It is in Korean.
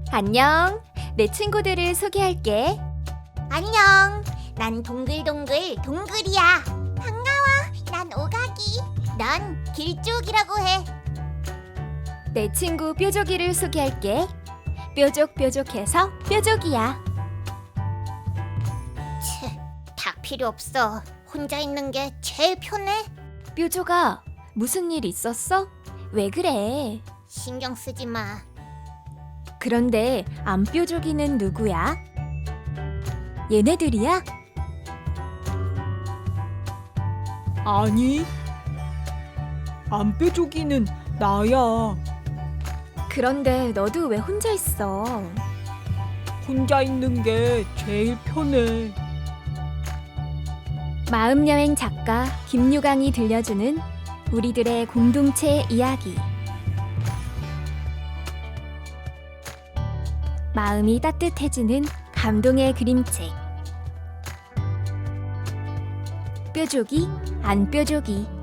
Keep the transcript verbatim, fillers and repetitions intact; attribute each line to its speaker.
Speaker 1: 안녕. 내 친구들을 소개할게.
Speaker 2: 안녕. 난 동글동글 동글이야. 반가워. 난 오가기. 난 길쭉이라고 해.
Speaker 1: 내 친구 뾰족이를 소개할게. 뾰족뾰족해서 뾰족이야.
Speaker 2: 치, 다 필요 없어. 혼자 있는 게 제일 편해.
Speaker 1: 뾰족아, 무슨 일 있었어? 왜 그래?
Speaker 2: 신경 쓰지 마.
Speaker 1: 그런데 안 뾰족이는 누구야? 얘네들이야?
Speaker 3: 아니, 안 뾰족이는 나야.
Speaker 1: 그런데 너도 왜 혼자 있어?
Speaker 3: 혼자 있는 게 제일 편해.
Speaker 1: 마음여행 작가 김유강이 들려주는 우리들의 공동체 이야기. 마음이 따뜻해지는 감동의 그림책. 뾰족이 안 뾰족이.